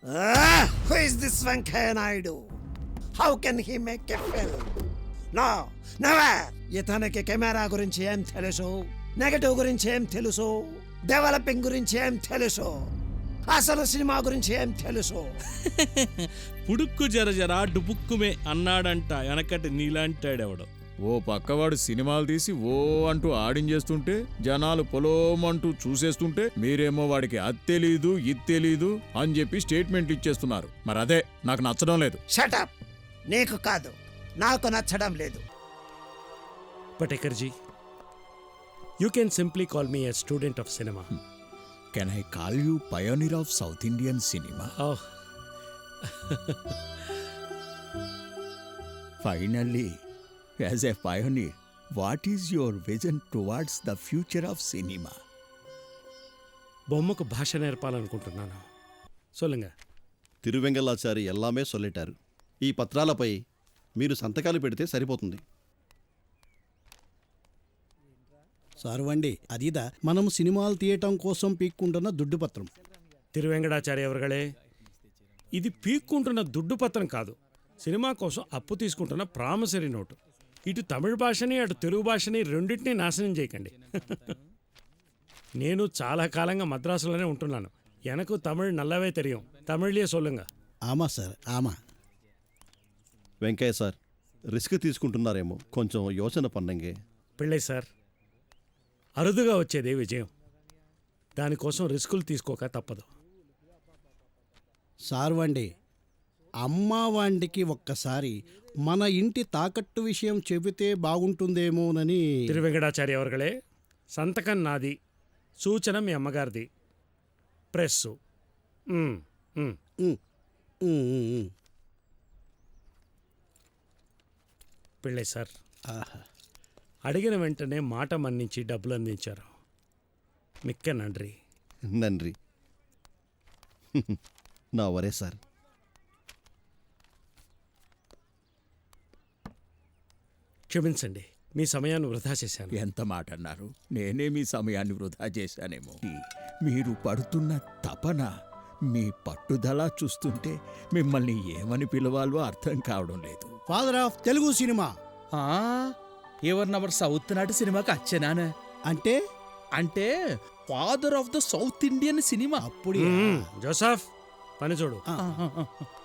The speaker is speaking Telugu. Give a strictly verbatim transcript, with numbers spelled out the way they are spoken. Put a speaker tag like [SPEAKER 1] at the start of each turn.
[SPEAKER 1] Ah, who is this Venkaya Naidu? How can he make a film? No, never. ఇతనికి కెమెరా గురించి ఏం తెలుసు, నెగటివ్ గురించి ఏం తెలుసు, డెవలపింగ్ గురించి ఏం తెలుసు, అసలు సినిమా గురించి ఏం తెలుసు?
[SPEAKER 2] పుడుక్కు జర జర డుబుక్కుమే అన్నాడంట వెనకటి నీలాంటాడెవడు.
[SPEAKER 3] ఓ పక్కవాడు సినిమాలు తీసి ఓ అంటూ ఆడించేస్తుంటే జనాలు పొలోమంటూ చూసేస్తుంటే మీరేమో వాడికి అది తెలీదు ఇది తెలీదు అని చెప్పి స్టేట్మెంట్లు ఇచ్చేస్తున్నారు. మరి అదే నాకు నచ్చడం లేదు.
[SPEAKER 1] షటప్. నీకు కాదు, నాకు నచ్చడం లేదు.
[SPEAKER 4] Patekarji, you can simply call me a student of cinema.
[SPEAKER 3] Can I call you pioneer of South Indian cinema?
[SPEAKER 4] Oh,
[SPEAKER 3] finally, as a pioneer, what is your vision towards the future of cinema?
[SPEAKER 4] బొమ్మకు భాష నేర్పాలనుకుంటున్నాను. సొల్లుంగ.
[SPEAKER 5] తిరువెంగళాచారి ఎల్లామే సొల్లెటారు. ఈ పత్రాలపై మీరు సంతకాలు పెడితే సరిపోతుంది.
[SPEAKER 6] సార్వండి, అదిదా మనం సినిమాలు తీయటం కోసం పీక్కుంటున్న దుడ్డు పత్రం.
[SPEAKER 4] తిరువెంకటాచార్య అవர்களே, ఇది పీక్కుంటున్న దుడ్డు పత్రం కాదు, సినిమా కోసం అప్పు తీసుకుంటున్న ప్రామిసరీ నోటు. ఇటు తమిళ భాషని అటు తెలుగు భాషని రెండింటినీ నాశనం చేయకండి. నేను చాలా కాలంగా మద్రాసులోనే ఉంటున్నాను. ఎనకు తమిళ్ నల్లవే తెలియం. తమిళ్లే సొల్లుంగ.
[SPEAKER 6] ఆమా సార్, ఆమా.
[SPEAKER 5] వెంకయ్య సార్, రిస్క్ తీసుకుంటున్నారేమో, కొంచెం యోచన పన్నంగే.
[SPEAKER 4] పిళ్ళై సార్, అరుదుగా వచ్చేదే విజయం. దానికోసం రిస్కులు తీసుకోక తప్పదు.
[SPEAKER 6] సార్వండి, అమ్మావాండికి ఒక్కసారి మన ఇంటి తాకట్టు విషయం చెబితే బాగుంటుందేమోనని.
[SPEAKER 4] తిరువెంకటాచార్య అవர்களే, సంతకం నాది, సూచన మీ అమ్మగారిది. ప్రెస్సు. మ్, మ్.
[SPEAKER 6] ఉమ్, ఉమ్, ఉమ్, ఉమ్.
[SPEAKER 4] పిళ్ళై సార్,
[SPEAKER 6] ఆహా.
[SPEAKER 4] అడిగిన వెంటనే మాట మన్నించి డబ్బులు అందించారు. మిక్క నండ్రి.
[SPEAKER 5] నండ్రి. నా వరే సార్.
[SPEAKER 4] క్షమించండి, మీ సమయాన్ని వృధా చేశాను.
[SPEAKER 3] ఎంత మాట అన్నారు. నేనే మీ సమయాన్ని వృధా చేశానేమో. మీరు పడుతున్న తపన, మీ పట్టుదల చూస్తుంటే మిమ్మల్ని ఏమని పిలవాలో అర్థం కావడం లేదు.
[SPEAKER 6] ఫాదర్ ఆఫ్ తెలుగు సినిమా
[SPEAKER 7] ఎవరు నవర్ సౌత్ నాటి సినిమాకి వచ్చేనానే
[SPEAKER 6] అంటే
[SPEAKER 7] అంటే father of the South Indian cinema.
[SPEAKER 6] అప్పుడు
[SPEAKER 4] మ్, జోసఫ్, పని చూడు.
[SPEAKER 6] ఆ.